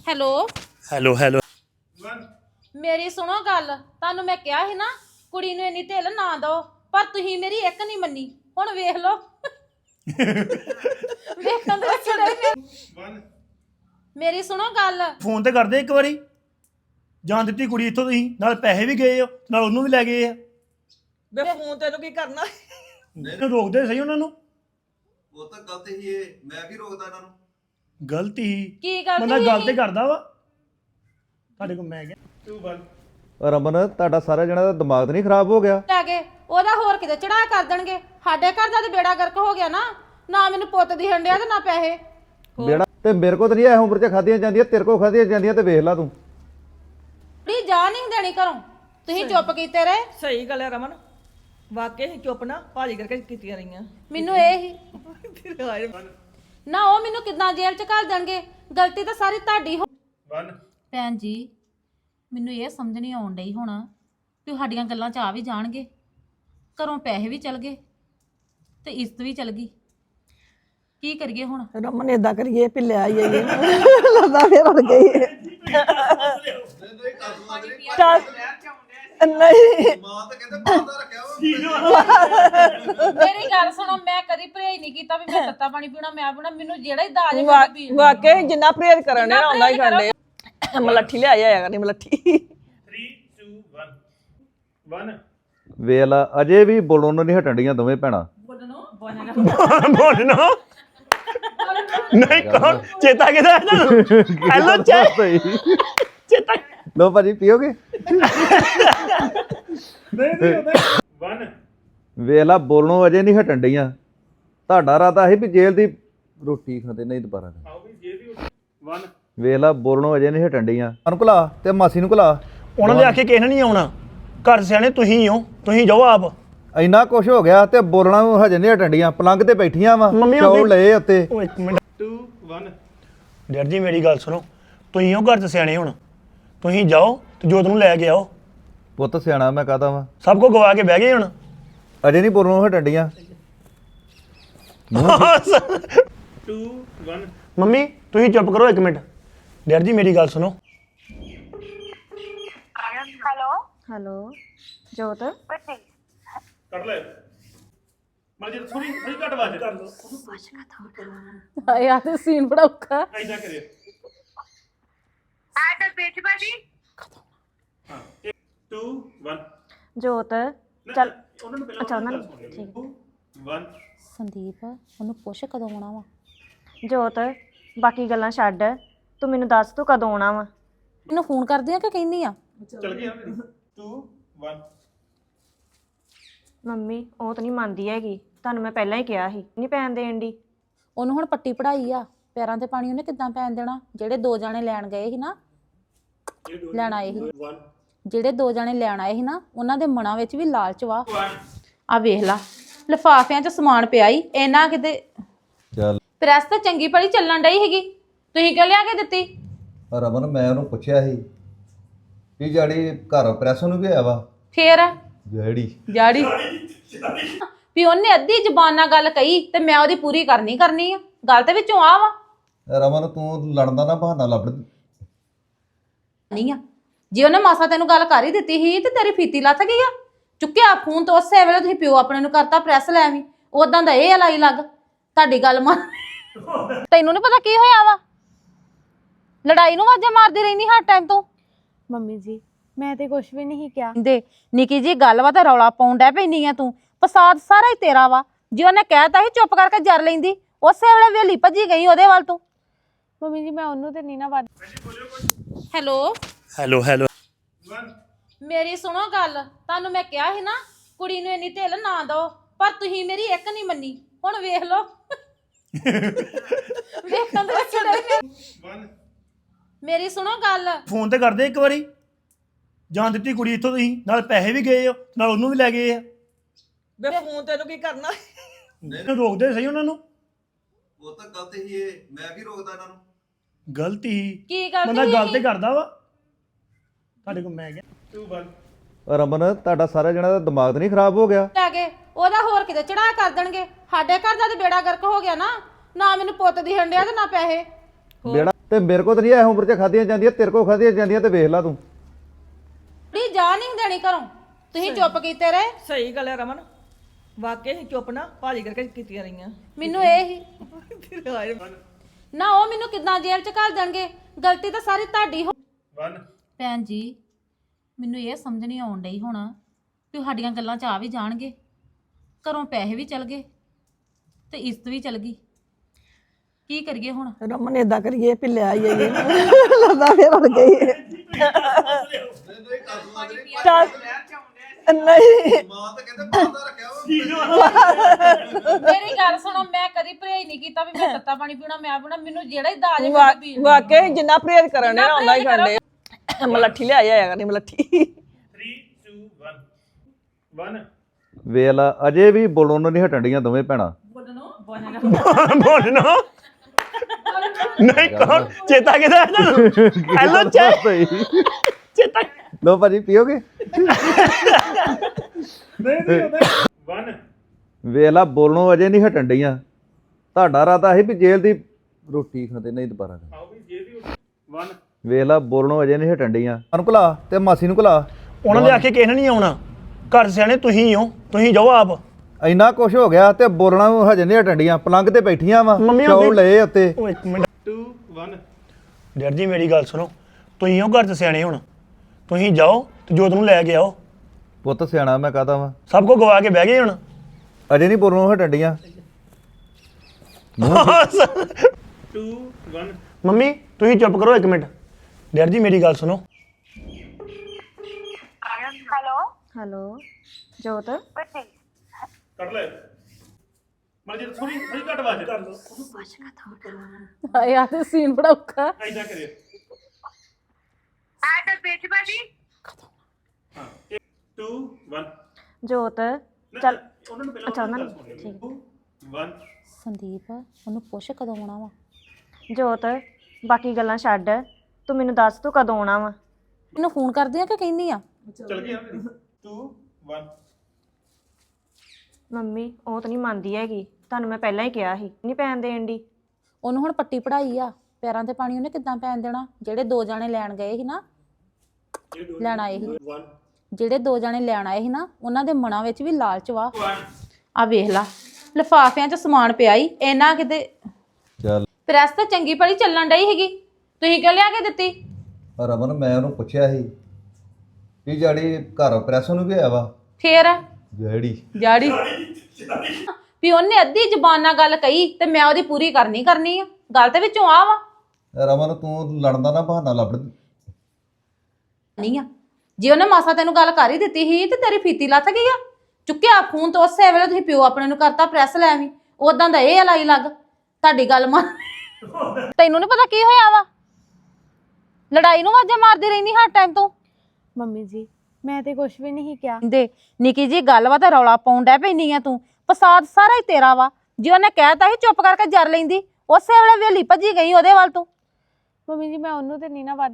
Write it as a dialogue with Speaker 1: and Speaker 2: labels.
Speaker 1: Hello
Speaker 2: hello hello
Speaker 1: ਮੇਰੀ ਸੁਣੋ ਗੱਲ। ਤੁਹਾਨੂੰ ਮੈਂ ਕਿਹਾ ਸੀ ਨਾ ਕੁੜੀ ਨੂੰ ਇੰਨੀ ਢਿੱਲ ਨਾ ਦਿਓ, ਪਰ ਤੁਸੀਂ ਮੇਰੀ ਇੱਕ ਨਹੀਂ ਮੰਨੀ। ਹੁਣ ਵੇਖ ਲਓ ਵੇਖਣ ਦੇ ਕਿਹੜੇ ਮੇਰੀ ਸੁਣੋ ਗੱਲ।
Speaker 2: ਫੋਨ ਤੇ ਕਰਦੇ ਇੱਕ ਵਾਰੀ ਜਾਣ ਦਿੱਤੀ ਕੁੜੀ ਇੱਥੋਂ ਤੁਸੀਂ ਨਾਲ ਪੈਸੇ ਵੀ ਗਏ ਹੋ ਨਾਲ ਉਹਨੂੰ ਵੀ ਲੈ ਗਏ ਆ
Speaker 3: ਬੇ ਫੋਨ ਤੈਨੂੰ ਕੀ ਕਰਨਾ
Speaker 2: ਇਹਨੂੰ ਰੋਕਦੇ ਸਹੀ ਉਹਨਾਂ ਨੂੰ
Speaker 4: ਉਹ ਤਾਂ ਗਲਤ ਹੀ ਏ ਮੈਂ ਵੀ ਰੋਕਦਾ ਇਹਨਾਂ ਨੂੰ
Speaker 2: ਗਲਤ ਹੀ
Speaker 1: ਕੀ ਗਲਤੀ
Speaker 2: ਬੰਦਾ ਗੱਲ ਤੇ
Speaker 1: ਸੀ?
Speaker 2: ਕਰਦਾ ਵਾ ਤੁਹਾਡੇ ਕੋਲ ਮੈਂ ਕਿਹਾ
Speaker 5: ਰਮਨ ਤੁਹਾਡਾ ਸਾਰਾ ਜਣਾ ਦਾ ਦਿਮਾਗ ਤਾਂ ਨਹੀਂ ਖਰਾਬ ਹੋ ਗਿਆ?
Speaker 1: ਲੈ ਗਏ ਉਹਦਾ ਹੋਰ ਕਿਤੇ ਚੜਾ ਕਰ ਦੇਣਗੇ। ਸਾਡੇ ਘਰ ਦਾ ਤੇ ਬੇੜਾ ਗਰਕ ਹੋ ਗਿਆ ਨਾ ਮੈਨੂੰ ਪੁੱਤ ਦੀ ਹੰਡਿਆ ਤੇ ਨਾ ਪੈਸੇ।
Speaker 5: ਬੇੜਾ ਤੇ ਮੇਰੇ ਕੋ ਤਾਂ ਨਹੀਂ ਐ ਉਮਰ 'ਚ ਖਾਧੀਆਂ ਜਾਂਦੀਆਂ, ਤੇਰੇ ਕੋ ਖਾਧੀਆਂ ਜਾਂਦੀਆਂ ਤੇ ਵੇਖ ਲੈ ਤੂੰ।
Speaker 1: ਕੁੜੀ ਜਾ ਨਹੀਂ ਦੇਣੀ ਘਰੋਂ, ਤੁਸੀਂ ਚੁੱਪ ਕੀਤੇ ਰਹੇ।
Speaker 3: ਸਹੀ ਗੱਲ ਹੈ ਰਮਨ, ਵਾਕਈ ਹੀ ਚੁੱਪ ਨਾ ਭਾਜੀ ਕਰਕੇ ਕੀਤੀਆਂ ਰਹੀਆਂ।
Speaker 1: ਮੈਨੂੰ ਇਹ ਹੀ
Speaker 3: ਫਿਰ ਆਏ
Speaker 1: ਨਾ ਉਹ ਮੈਨੂੰ ਕਿੱਦਾਂ ਜੇਲ੍ਹ ਚ ਘੱਲ ਦੇਣਗੇ। ਗਲਤੀ ਤਾਂ ਸਾਰੀ ਤੁਹਾਡੀ ਹੋ। ਭੈਣ ਜੀ ਮੈਨੂੰ ਇਹ ਸਮਝ ਨਹੀਂ ਆਉਣ ਡਈ ਹੁਣ ਵੀ ਸਾਡੀਆਂ ਗੱਲਾਂ ਚ ਆ ਵੀ ਜਾਣਗੇ, ਘਰੋਂ ਪੈਸੇ ਵੀ ਚਲ ਗਏ ਤੇ ਇੱਜ਼ਤ ਵੀ ਚਲ ਗਈ। ਕੀ ਕਰੀਏ ਹੁਣ?
Speaker 3: ਰਮਨ ਏਦਾਂ ਕਰੀਏ ਪਿੱਲੇ ਆਈਏ ਲੱਦਾ ਫੇਰ ਉੜ ਗਈ ਚੱਲ ਨਹੀਂ
Speaker 4: ਮਾਂ ਤਾਂ ਕਹਿੰਦੇ ਮਾਂ ਦਾ ਰੱਖਿਆ ਵਾ
Speaker 1: ਮੇਰੀ ਗੱਲ ਸੁਣੋ, ਮੈਂ ਕਦੀ ਪਰਹੇਜ ਨਹੀਂ ਕੀਤਾ ਵੀ ਮੈਂ ਤੱਤਾ ਪਾਣੀ ਪੀਣਾ ਮੈਂ ਪੀਣਾ। ਮੈਨੂੰ ਜਿਹੜਾ ਹੀ ਦਾਜ ਮੈਂ ਪੀ
Speaker 3: ਵਾਕਈ ਜਿੰਨਾ ਪਰਹੇਜ ਕਰਨ ਨੇ ਉਹਨਾਂ ਹੀ ਕਰਦੇ ਮਲੱਠੀ ਲਿਆਇਆ ਆਇਆ ਕਰਨੀ ਮਲੱਠੀ
Speaker 2: 3 2 1 1
Speaker 5: ਵੇਖ ਲਾ ਅਜੇ ਵੀ ਬੋਲਣ ਨੂੰ ਨਹੀਂ ਹਟਣ ਡੀਆਂ ਦੋਵੇਂ ਭੈਣਾਂ।
Speaker 2: ਬੋਲਣਾ ਨਹੀਂ ਕੌਣ ਚੇਤਾ ਕਿਦਾ ਹੈਲੋ
Speaker 5: ਸਹੀ
Speaker 2: ਚੇਤਾ
Speaker 5: ਲੋ ਭਾਜੀ ਪੀਓਗੇ?
Speaker 2: ਨਹੀਂ 1
Speaker 5: ਵੇਖ ਲਾ ਬੋਲਣੋਂ ਅਜੇ ਨਹੀਂ ਹਟਣ ਡੀਆਂ। ਤੁਹਾਡਾ ਰਾਤਾ ਸੀ ਵੀ ਜੇਲ੍ਹ ਦੀ ਰੋਟੀ ਖਾਂਦੇ ਨਹੀਂ ਦੁਬਾਰਾ।
Speaker 2: ਆਓ ਵੀ ਜੇ ਵੀ 1
Speaker 5: ਵੇਖ ਲਾ ਬੋਲਣੋਂ ਅਜੇ ਨਹੀਂ ਹਟਣ ਡੀਆਂ। ਉਹਨੂੰ ਭੁਲਾ ਤੇ ਮਾਸੀ ਨੂੰ ਭੁਲਾ।
Speaker 2: ਉਹਨਾਂ ਦੇ ਆਖੇ ਕਿਸੇ ਨੇ ਨਹੀਂ ਆਉਣਾ, ਘਰ ਸਿਆਣੇ ਤੁਸੀਂ ਹੋ, ਤੁਸੀਂ ਜਾਓ ਆਪ।
Speaker 5: ਇੰਨਾ ਕੁਛ ਹੋ ਗਿਆ ਤੇ ਬੋਲਣਾ ਨੂੰ ਹਜੇ ਨਹੀਂ ਹਟਣ ਡੀਆਂ। ਪਲੰਗ ਤੇ ਬੈਠੀਆਂ ਵਾ
Speaker 2: ਮੰਮੀ
Speaker 5: ਚੌਲ ਲਏ ਉੱਤੇ।
Speaker 2: ਉਹ ਇੱਕ ਮਿੰਟ 2 1 ਡੈਡ ਜੀ ਮੇਰੀ ਗੱਲ ਸੁਣੋ, ਤੁਸੀਂ ਹੋ ਘਰ ਚ ਸਿਆਣੇ ਹੁਣ, ਤੁਸੀਂ ਜਾਓ ਤੇ ਜੋਤ ਨੂੰ ਲੈ ਕੇ ਆਓ।
Speaker 5: ਪੁੱਤ ਸਿਆਣਾ ਮੈਂ ਕਹਦਾ ਵਾ,
Speaker 2: ਸਭ ਕੋ ਗਵਾ ਕੇ ਬਹਿ ਗਏ ਹੁਣ।
Speaker 5: ਅਜੇ ਨਹੀਂ ਬੋਲਣੋਂ ਹਟਣ ਡੀਆਂ।
Speaker 2: 2 1 ਮੰਮੀ ਤੁਸੀਂ ਚੁੱਪ ਕਰੋ ਇੱਕ ਮਿੰਟ। ਡੈਡ ਜੀ ਮੇਰੀ ਗੱਲ ਸੁਣੋ।
Speaker 6: ਹੈਲੋ ਜੋਤ
Speaker 2: ਕੱਟ ਲੈ ਮਰ ਜੇ ਥੋੜੀ ਘੱਟ ਆਵਾਜ਼ ਕਰ ਲਓ।
Speaker 1: ਯਾਰ ਤੇ ਸੀਨ ਬੜਾ ਔਖਾ।
Speaker 2: ਐਦਾਂ ਕਰਿਓ। ਹਾਂ 2 1
Speaker 6: ਜੋਤ ਚੱਲ
Speaker 2: ਉਹਨਾਂ ਨੂੰ ਪਹਿਲਾਂ
Speaker 6: ਅੱਛਾ ਉਹਨਾਂ ਨੂੰ
Speaker 2: ਠੀਕ 1
Speaker 1: ਸੰਦੀਪ ਉਹਨੂੰ ਪੁੱਛ ਕਦੋਂ ਆਉਣਾ ਵਾ?
Speaker 6: ਜੋਤ ਬਾਕੀ ਗੱਲਾਂ ਛੱਡ, ਤੂੰ ਮੈਨੂੰ ਦੱਸ ਤੂੰ ਕਦੋਂ ਆਉਣਾ ਵਾ?
Speaker 1: ਇਹਨੂੰ ਫੋਨ ਕਰਦੀ ਆ ਕਿ ਕਹਿੰਦੀ ਆ?
Speaker 2: ਚੱਲ ਗਿਆ 2 1
Speaker 6: ਮੰਮੀ ਉਹ ਤਾਂ ਨਹੀਂ ਮੰਨਦੀ ਹੈਗੀ, ਤੁਹਾਨੂੰ ਮੈਂ ਪਹਿਲਾਂ ਹੀ ਕਿਹਾ ਸੀ ਨਹੀਂ ਪੈਣ ਦੇਣ ਦੀ।
Speaker 1: ਉਹਨੂੰ ਹੁਣ ਪੱਟੀ ਪੜਾਈ ਆ, ਪੈਰਾਂ ਤੇ ਪਾਣੀ ਉਹਨੇ ਕਿੱਦਾਂ ਪੈਣ ਦੇਣਾ? ਜਿਹੜੇ 2 ਜਾਣੇ ਲੈਣ ਗਏ ਸੀ ਨਾ, ਲੈਣ ਆਏ ਸੀ, ਜਿਹੜੇ 2 ਜਾਣੇ ਲੈਣ ਆਏ ਸੀ ਨਾ, ਉਹਨਾਂ ਦੇ ਮਨਾਂ ਵਿੱਚ ਵੀ ਲਾਲਚ ਵਾ। ਆ ਵੇਖ ਲਾ ਲਿਫਾਫਿਆਂ 'ਚ ਸਮਾਨ ਪਿਆ ਹੀ ਇਹਨਾਂ ਕਿਤੇ।
Speaker 5: ਚੱਲ
Speaker 1: ਪ੍ਰੈਸ ਤਾਂ ਚੰਗੀ ਭਲੀ ਚੱਲਣ ਡਈ ਹੈਗੀ, ਤੁਸੀਂ ਕਿਉਂ ਲਿਆ ਕੇ ਦਿੱਤੀ?
Speaker 5: ਰਮਨ ਮੈਂ ਉਹਨੂੰ ਪੁੱਛਿਆ ਸੀ ਵੀ ਜਿਹੜੀ ਘਰ ਪ੍ਰੈਸ ਨੂੰ ਵੀ ਆਇਆ ਵਾ
Speaker 1: ਫੇਰ
Speaker 5: ਜਿਹੜੀ
Speaker 1: ਜਾੜੀ ਵੀ ਉਹਨੇ ਅੱਧੀ ਜ਼ਬਾਨ ਨਾਲ ਗੱਲ ਕਹੀ ਤੇ ਮੈਂ ਉਹਦੀ ਪੂਰੀ ਕਰਨੀ ਆ। ਗੱਲ ਤੇ ਵਿੱਚੋਂ ਆ ਵਾ
Speaker 5: ਰਮਨ ਤੂੰ ਲੜਨ ਦਾ ਨਾ ਬਹਾਨਾ ਲੱਭ।
Speaker 1: ਨਹੀਂ ਆ, ਜੇ ਉਹਨੇ ਮਾਸਾ ਤੈਨੂੰ ਗੱਲ ਕਰ ਹੀ ਦਿੱਤੀ ਸੀ ਤੇ ਤੇਰੀ ਫੀਤੀ ਲੱਥ ਗਈ ਆ। ਚੁੱਕਿਆ ਫੋਨ ਤੋਂ ਉਸੇ ਵੇਲੇ ਤੁਸੀਂ ਪਿਓ ਆਪਣੇ ਨੂੰ ਕਰਤਾ ਪ੍ਰੈਸ ਲੈ ਆਵੀਂ। ਉਦਾਂ ਦਾ ਇਹ ਲਾਈ ਲੱਗ ਤੁਹਾਡੀ ਗੱਲ ਮੰਨ। ਤੈਨੂੰ ਨਹੀਂ ਪਤਾ ਕੀ ਹੋਇਆ ਵਾ? ਲੜਾਈ ਨੂੰ ਵਾਜਾ ਮਾਰਦੀ ਰਹਿੰਦੀ ਹਰ ਟਾਈਮ ਤੋਂ।
Speaker 6: ਮੰਮੀ ਜੀ ਮੈਂ ਤੇ ਕੁਝ ਵੀ ਨਹੀਂ ਕਿਹਾ।
Speaker 1: ਦੇ ਨਿੱਕੀ ਜੀ ਗੱਲ ਵਾ ਤੇ ਰੌਲਾ ਪਾਉਣ ਡੈ ਪੈਂਦੀ ਆ ਤੂੰ। ਫਸਾਦ ਸਾਰਾ ਹੀ ਤੇਰਾ ਵਾ। ਜੇ ਉਹਨੇ ਕਹਿਤਾ ਸੀ ਚੁੱਪ ਕਰਕੇ ਜਰ ਲੈਂਦੀ, ਉਸੇ ਵੇਲੇ ਵੇਲੀ ਭੱਜੀ ਗਈ ਉਹਦੇ ਵੱਲ ਤੂੰ।
Speaker 6: ਮੰਮੀ ਜੀ ਮੈਂ ਉਹਨੂੰ ਤੇ ਨਹੀਂ ਨਾ ਵੱਧ।
Speaker 1: ਹੈਲੋ
Speaker 2: ਹੈਲੋ ਹੈਲੋ
Speaker 1: ਮੇਰੀ ਸੁਣੋ ਗੱਲ। ਤੁਹਾਨੂੰ ਮੈਂ ਕਿਹਾ ਸੀ ਨਾ ਕੁੜੀ ਨੂੰ ਇੰਨੀ ਢਿੱਲ ਨਾ ਦਿਓ, ਪਰ ਤੁਸੀਂ ਮੇਰੀ ਇੱਕ ਨਹੀਂ ਮੰਨੀ। ਹੁਣ ਵੇਖ ਲਓ ਵੇਖਣ ਦੇ ਕਿਹੜੇ ਮੇਰੀ ਸੁਣੋ ਗੱਲ।
Speaker 2: ਫੋਨ ਤੇ ਕਰਦੇ ਇੱਕ ਵਾਰੀ ਜਾਣ ਦਿੱਤੀ ਕੁੜੀ ਇੱਥੋਂ ਤੁਸੀਂ ਨਾਲ ਪੈਸੇ ਵੀ ਗਏ ਹੋ ਨਾਲ ਉਹਨੂੰ ਵੀ ਲੈ ਗਏ ਆ
Speaker 3: ਬੇ ਫੋਨ ਤੈਨੂੰ ਕੀ ਕਰਨਾ
Speaker 2: ਇਹਨੂੰ ਰੋਕਦੇ ਸਹੀ ਉਹਨਾਂ ਨੂੰ
Speaker 4: ਉਹ ਤਾਂ ਗਲਤ ਹੀ ਏ ਮੈਂ ਵੀ ਰੋਕਦਾ ਇਹਨਾਂ ਨੂੰ
Speaker 2: ਗਲਤ ਹੀ
Speaker 1: ਕੀ ਗਲਤੀ
Speaker 2: ਬੰਦਾ ਗੱਲ
Speaker 1: ਸੀ?
Speaker 2: ਤੇ ਕਰਦਾ ਵਾ ਤੁਹਾਡੇ ਕੋਲ ਮੈਂ ਕਿਹਾ 2 1
Speaker 5: ਰਮਨ ਤੁਹਾਡਾ ਸਾਰਾ ਜਣਾ ਦਾ ਦਿਮਾਗ ਤਾਂ ਨਹੀਂ ਖਰਾਬ ਹੋ ਗਿਆ?
Speaker 1: ਲੈ ਗਏ ਉਹਦਾ ਹੋਰ ਕਿਤੇ ਚੜਾ ਕਰ ਦੇਣਗੇ। ਸਾਡੇ ਘਰ ਦਾ ਤੇ ਬੇੜਾ ਗਰਕ ਹੋ ਗਿਆ ਨਾ ਮੈਨੂੰ ਪੁੱਤ ਦੀ ਹੰਡਿਆ ਤੇ ਨਾ ਪੈਸੇ।
Speaker 5: ਬੇੜਾ ਤੇ ਮੇਰੇ ਕੋਲ ਤਾਂ ਨਹੀਂ ਇਹ ਉਮਰ 'ਚ ਖਾਧੀਆਂ ਜਾਂਦੀਆਂ, ਤੇਰੇ ਕੋਲ ਖਾਧੀਆਂ ਜਾਂਦੀਆਂ ਤੇ ਵੇਖ ਲਾ ਤੂੰ।
Speaker 1: ਕੁੜੀ ਜਾ ਨਹੀਂ ਦੇਣੀ ਘਰੋਂ, ਤੁਸੀਂ ਚੁੱਪ ਕੀਤੇ ਰਹੇ।
Speaker 3: ਸਹੀ ਗੱਲ ਹੈ ਰਮਨ, ਵਾਕਈ ਹੀ ਚੁੱਪ ਨਾ ਭਾਜੀ ਕਰਕੇ ਕੀਤੀਆਂ ਰਹੀਆਂ।
Speaker 1: ਮੈਨੂੰ ਇਹ ਹੀ
Speaker 3: ਫਿਰ ਆਏ
Speaker 1: ਨਾ ਉਹ ਮੈਨੂੰ ਕਿੱਦਾਂ ਜੇਲ੍ਹ ਚ ਘੱਲ ਦੇਣਗੇ, ਗਲਤੀ ਤਾਂ ਸਾਰੀ ਤੁਹਾਡੀ ਹੋ। ਭੈਣ ਜੀ ਮੈਨੂੰ ਇਹ ਸਮਝ ਨਹੀਂ ਆਉਣ ਡਈ ਹੁਣ ਵੀ ਸਾਡੀਆਂ ਗੱਲਾਂ ਚ ਆ ਵੀ ਜਾਣਗੇ, ਘਰੋਂ ਪੈਸੇ ਵੀ ਚਲ ਗਏ ਤੇ ਇੱਜ਼ਤ ਵੀ ਚਲ ਗਈ, ਕੀ ਕਰੀਏ ਹੁਣ?
Speaker 3: ਰਮਨ ਏਦਾਂ ਕਰੀਏ ਪਿੱਲੇ ਆਈਏ ਲੱਦਾ ਫੇਰ ਉੜ ਗਈ ਚੱਲ ਨਹੀਂ
Speaker 4: ਮਾਂ ਤਾਂ ਕਹਿੰਦੇ ਬਾਹਰ ਦਾ ਰੱਖਿਆ ਵਾ
Speaker 1: ਮੇਰੀ ਗੱਲ ਸੁਣੋ, ਮੈਂ ਕਦੀ ਪਰਹੇਜ਼ ਨਹੀਂ ਕੀਤਾ ਵੀ ਮੈਂ ਤੱਤਾ ਪਾਣੀ ਪੀਣਾ, ਮੈਂ ਪੀਣਾ, ਮੈਨੂੰ ਜਿਹੜਾ ਹੀ ਦਾਜ ਮੈਂ ਪੀ
Speaker 3: ਵਾਕਈ ਜਿੰਨਾ ਪ੍ਰੇਰ ਕਰਨ ਨੇ ਆਉਂਦਾ ਹੀ ਕਰਦੇ ਮਲੱਠੀ ਲਿਆਈ ਆਇਆ ਕਰਨੀ ਮਲੱਠੀ।
Speaker 2: 3 2 1 1
Speaker 5: ਵੇਖ ਲਾ ਅਜੇ ਵੀ ਬੋਲਣੋਂ ਨਹੀਂ ਹਟਣ ਡੀਆਂ ਦੋਵੇਂ ਭੈਣਾਂ।
Speaker 2: ਬੋਲਣਾ ਨਹੀਂ ਕੌਣ ਚੇਤਾ ਕਿਦਾ ਹੈਲੋ
Speaker 5: ਸਹੀ।
Speaker 2: ਚੇਤਾ
Speaker 5: ਲੋ ਭਾਜੀ ਪੀਓਗੇ?
Speaker 2: ਨਹੀਂ 1
Speaker 5: ਵੇਖ ਲਾ ਬੋਲਣੋਂ ਅਜੇ ਨਹੀਂ ਹਟਣ ਡੀਆਂ। ਤੁਹਾਡਾ ਇਰਾਦਾ ਸੀ ਵੀ ਜੇਲ੍ਹ ਦੀ ਰੋਟੀ ਖਾਂਦੇ ਨਹੀਂ ਦੁਬਾਰਾ।
Speaker 2: ਆਓ ਵੀ ਜੇ ਦੀ 1
Speaker 5: ਵੇਖ ਲਾ ਬੋਲਣੋਂ ਅਜੇ ਨਹੀਂ ਹਟਣ ਡੀਆਂ। ਉਹਨੂੰ ਭੁਲਾ ਤੇ ਮਾਸੀ ਨੂੰ ਭੁਲਾ।
Speaker 2: ਉਹਨਾਂ ਦੇ ਆਖੇ ਕਿਸੇ ਨੇ ਨਹੀਂ ਆਉਣਾ, ਘਰ ਸਿਆਣੇ ਤੁਸੀਂ ਹੋ, ਤੁਸੀਂ ਜਾਓ ਆਪ।
Speaker 5: ਇੰਨਾ ਕੁਛ ਹੋ ਗਿਆ ਤੇ ਬੋਲਣਾ ਹਜੇ ਨਹੀਂ ਹਟਣ ਡੀਆਂ। ਪਲੰਗ ਤੇ ਬੈਠੀਆਂ ਵਾ,
Speaker 2: ਮੰਮੀ
Speaker 5: ਚੌਲ ਲਏ ਉੱਤੇ।
Speaker 2: ਉਹ ਇੱਕ ਮਿੰਟ 2 1 ਡੈਡ ਜੀ ਮੇਰੀ ਗੱਲ ਸੁਣੋ, ਤੁਸੀਂ ਹੋ ਘਰ ਚ ਸਿਆਣੇ ਹੁਣ, ਤੁਸੀਂ ਜਾਓ ਤੇ ਜੋਤ ਨੂੰ ਲੈ ਕੇ ਆਓ।
Speaker 5: ਪੁੱਤ ਸਿਆਣਾ ਮੈਂ ਕਹਦਾ ਵਾ,
Speaker 2: ਸਭ ਕੋ ਗਵਾ ਕੇ ਬਹਿ ਗਏ ਹੁਣ।
Speaker 5: ਅਜੇ ਨਹੀਂ ਬੋਲਣੋਂ ਹਟਣ ਡੀਆਂ।
Speaker 2: 2 1 ਮੰਮੀ ਤੁਸੀਂ ਚੁੱਪ ਕਰੋ ਇੱਕ ਮਿੰਟ। ਡੈਡ ਜੀ ਮੇਰੀ ਗੱਲ ਸੁਣੋ।
Speaker 6: ਹੈਲੋ ਜੋਤ,
Speaker 2: ਕੱਟ ਲੈ ਮਰਜੀ ਥੋੜੀ ਥੋੜੀ ਘੱਟ ਆਵਾਜ਼ ਕਰ ਲਓ।
Speaker 1: ਹਾਏ ਆ ਤੇ ਸੀਨ ਬੜਾ ਔਖਾ।
Speaker 2: ਐਦਾਂ ਕਰਿਓ।
Speaker 7: ਆ ਤਾਂ ਬੇਚ ਬਾਜੀ
Speaker 2: 2 1
Speaker 6: ਜੋਤ ਚੱਲ
Speaker 2: ਉਹਨਾਂ ਨੂੰ
Speaker 6: ਅੱਛਾ ਉਹਨਾਂ ਨੂੰ ਠੀਕ
Speaker 2: 1
Speaker 1: ਸੰਦੀਪ ਉਹਨੂੰ ਪੁੱਛ ਕਦੋਂ ਆਉਣਾ ਵਾ?
Speaker 6: ਜੋਤ ਬਾਕੀ ਗੱਲਾਂ ਛੱਡ, ਤੂੰ ਮੈਨੂੰ ਦੱਸ ਤੂੰ ਕਦੋਂ ਆਉਣਾ ਵਾ?
Speaker 1: ਇਹਨੂੰ ਫੋਨ ਕਰਦੀ ਆ ਕਿ ਕਹਿੰਦੀ ਆ?
Speaker 2: ਚੱਲ ਗਿਆ 2 1
Speaker 6: ਮੰਮੀ ਉਹ ਤਾਂ ਨਹੀਂ ਮੰਨਦੀ ਹੈਗੀ, ਤੁਹਾਨੂੰ ਮੈਂ ਪਹਿਲਾਂ ਹੀ ਕਿਹਾ ਸੀ ਨਹੀਂ ਪੈਣ ਦੇਣ ਦੀ।
Speaker 1: ਉਹਨੂੰ ਹੁਣ ਪੱਟੀ ਪੜਾਈ ਆ, ਪੈਰਾਂ ਤੇ ਪਾਣੀ ਉਹਨੇ ਕਿੱਦਾਂ ਪੈਣ ਦੇਣਾ? ਜਿਹੜੇ 2 ਜਾਣੇ ਲੈਣ ਗਏ ਸੀ ਨਾ, ਲੈਣ ਆਏ ਸੀ, ਜਿਹੜੇ 2 ਜਾਣੇ ਲੈਣ ਆਏ ਸੀ ਨਾ, ਉਹਨਾਂ ਦੇ ਮਨਾਂ ਵਿੱਚ ਵੀ ਲਾਲਚ ਵਾ। ਆ ਵੇਖ ਲਾ ਲਿਫਾਫਿਆਂ 'ਚ ਸਮਾਨ ਪਿਆ ਹੀ ਇਹਨਾਂ, ਕਿਤੇ
Speaker 5: ਚੱਲ
Speaker 1: ਪ੍ਰੈਸ ਤਾਂ ਚੰਗੀ ਭਲੀ ਚੱਲਣ ਡਈ ਹੈਗੀ, ਤੁਸੀਂ ਕਿਉਂ ਲਿਆ ਕੇ ਦਿੱਤੀ?
Speaker 5: ਰਮਨ ਮੈਂ ਉਹਨੂੰ ਪੁੱਛਿਆ ਸੀ ਵੀ ਜਾੜੀ ਘਰ ਪ੍ਰੈਸ ਨੂੰ ਵੀ ਆਇਆ ਵਾ।
Speaker 1: ਫੇਰ
Speaker 5: ਜਾੜੀ
Speaker 1: ਵੀ ਉਹਨੇ ਅੱਧੀ ਜ਼ਬਾਨ ਨਾਲ ਗੱਲ ਕਹੀ ਤੇ ਮੈਂ ਉਹਦੀ ਪੂਰੀ ਕਰਨੀ ਆ, ਗੱਲ ਤੇ ਵਿੱਚੋਂ ਆ ਵਾ
Speaker 5: ਰਮਨ ਤੂੰ ਲੜਨ ਦਾ ਨਾ ਬਹਾਨਾ ਲੱਭ।
Speaker 1: ਨਹੀਂ ਆ, ਜੇ ਉਹਨੇ ਮਾਸਾ ਤੈਨੂੰ ਗੱਲ ਕਰ ਹੀ ਦਿੱਤੀ ਸੀ ਤੇ ਤੇਰੀ ਫੀਤੀ ਲੱਥ ਗਈ ਆ। ਚੁੱਕਿਆ ਫੋਨ ਤੋਂ ਉਸੇ ਵੇਲੇ ਤੁਸੀਂ ਪਿਓ ਆਪਣੇ ਨੂੰ ਕਰਤਾ ਪ੍ਰੈਸ ਲੈ ਆਵੀਂ, ਉਦਾਂ ਦਾ ਇਹ ਲਾਈ ਲੱਗ ਤੁਹਾਡੀ ਗੱਲ ਮੰਨ। ਤੈਨੂੰ ਨਹੀਂ ਪਤਾ ਕੀ ਹੋਇਆ ਵਾ? ਲੜਾਈ ਨੂੰ ਵਾਜਾ ਮਾਰਦੀ ਰਹਿੰਦੀ ਹਰ ਟਾਈਮ ਤੋਂ।
Speaker 6: ਮੰਮੀ ਜੀ ਮੈਂ ਤੇ ਕੁਝ ਵੀ ਨਹੀਂ ਕਿਹਾ।
Speaker 1: ਦੇ ਨਿੱਕੀ ਜੀ ਗੱਲ ਵਾ ਤਾਂ ਰੌਲਾ ਪਾਉਣ ਡੈ ਪੈਂਦੀ ਆ ਤੂੰ, ਫਸਾਦ ਸਾਰਾ ਹੀ ਤੇਰਾ ਵਾ। ਜੇ ਉਹਨੇ ਕਹਿਤਾ ਸੀ ਚੁੱਪ ਕਰਕੇ ਜਰ ਲੈਂਦੀ, ਉਸੇ ਵੇਲੇ ਵੇਲੀ ਭੱਜੀ ਗਈ ਉਹਦੇ ਵੱਲ ਤੂੰ।
Speaker 6: ਮੰਮੀ ਜੀ ਮੈਂ ਉਹਨੂੰ ਤੇ ਨਹੀਂ ਨਾ